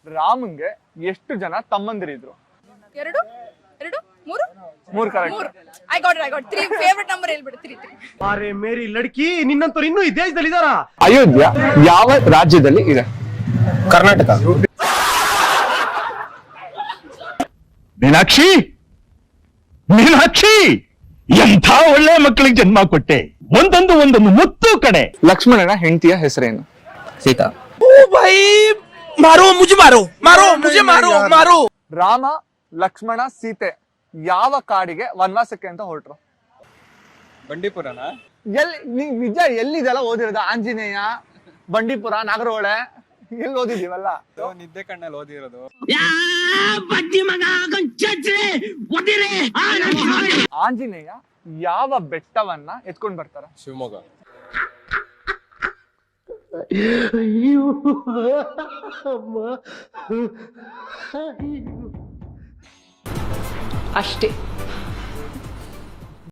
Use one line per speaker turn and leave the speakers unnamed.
ರಾಮಂಗೆ ಎಷ್ಟು ಜನ ತಮ್ಮಂದಿರಿದ್ರು?
ಎರಡು ಎರಡು ಮೂರು
ಮೂರು ಕರೆಕ್ಟ್.
ಮೂರು. I got 3. ಫೇವರೇಟ್ ನಂಬರ್ ಹೇಳ್ಬಿಡು. 3.
ಅರೆ ಮೇರಿ ಲಡ್ಕಿ, ನಿನ್ನಂತವ್ರು ಇನ್ನೂ ಈ ದೇಶದಲ್ಲಿ ಇದಾರ?
ಅಯೋಧ್ಯ ಯಾವ ರಾಜ್ಯದಲ್ಲಿ ಇದೆ?
ಕರ್ನಾಟಕ.
ಮೀನಾಕ್ಷಿ, ಮೀನಾಕ್ಷಿ, ಎಂಥ ಒಳ್ಳೆ ಮಕ್ಕಳಿಗೆ ಜನ್ಮ ಕೊಟ್ಟೆ. ಒಂದೊಂದು ಮುತ್ತು ಕಡೆ.
ಲಕ್ಷ್ಮಣನ ಹೆಂಡತಿಯ ಹೆಸರೇನು?
ಸೀತಾ.
ರಾಮ, ಲಕ್ಷ್ಮಣ, ಸೀತೆ ಯಾವ ಕಾಡಿಗೆ ವನವಾಸಕ್ಕೆ ಅಂತ ಹೊರಟ್ರು?
ಬಂಡೀಪುರನ?
ನಿಜ ಎಲ್ಲಿದೆಲ್ಲ ಓದಿರೋದು? ಆಂಜನೇಯ, ಬಂಡೀಪುರ, ನಾಗರಹೊಳೆ ಎಲ್ಲಿ ಓದಿದೀವಲ್ಲ?
ನಿದ್ದೆ ಕಣ್ಣಲ್ಲಿ ಓದಿರೋದು.
ಆಂಜನೇಯ ಯಾವ ಬೆಟ್ಟವನ್ನ ಎತ್ಕೊಂಡ್ ಬರ್ತಾರ?
ಶಿವಮೊಗ್ಗ.
ಅಷ್ಟೇ.